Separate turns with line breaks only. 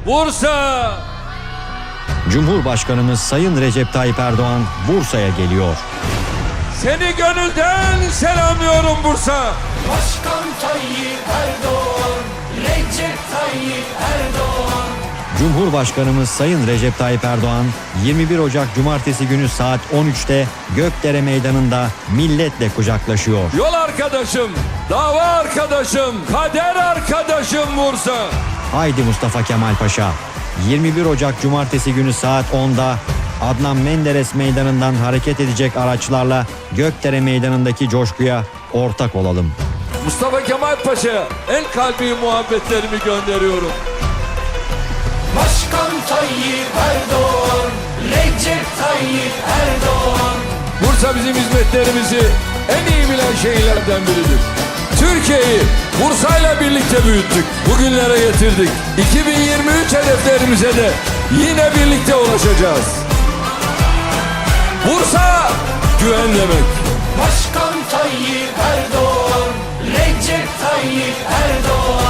Bursa.
Cumhurbaşkanımız Sayın Recep Tayyip Erdoğan Bursa'ya geliyor.
Seni gönülden selamlıyorum Bursa.
Başkan Tayyip Erdoğan, Recep Tayyip Erdoğan.
Cumhurbaşkanımız Sayın Recep Tayyip Erdoğan 21 Ocak Cumartesi günü saat 13'te Gökdere Meydanı'nda milletle kucaklaşıyor.
Yol arkadaşım, dava arkadaşım, kader arkadaşım Bursa.
Haydi Mustafa Kemal Paşa. 21 Ocak Cumartesi günü saat 10'da Adnan Menderes Meydanı'ndan hareket edecek araçlarla Gökdere Meydanı'ndaki coşkuya ortak olalım.
Mustafa Kemal Paşa'ya en kalbi muhabbetlerimi gönderiyorum.
Başkan Tayyip Erdoğan, Recep Tayyip Erdoğan.
Bursa bizim hizmetlerimizi en iyi bilen şehirlerden biridir. Türkiye'yi Bursa'yla birlikte büyüttük. Bugünlere getirdik. 2023 hedeflerimize de yine birlikte ulaşacağız. Bursa güven demek.
Başkan Tayyip Erdoğan, Recep Tayyip Erdoğan.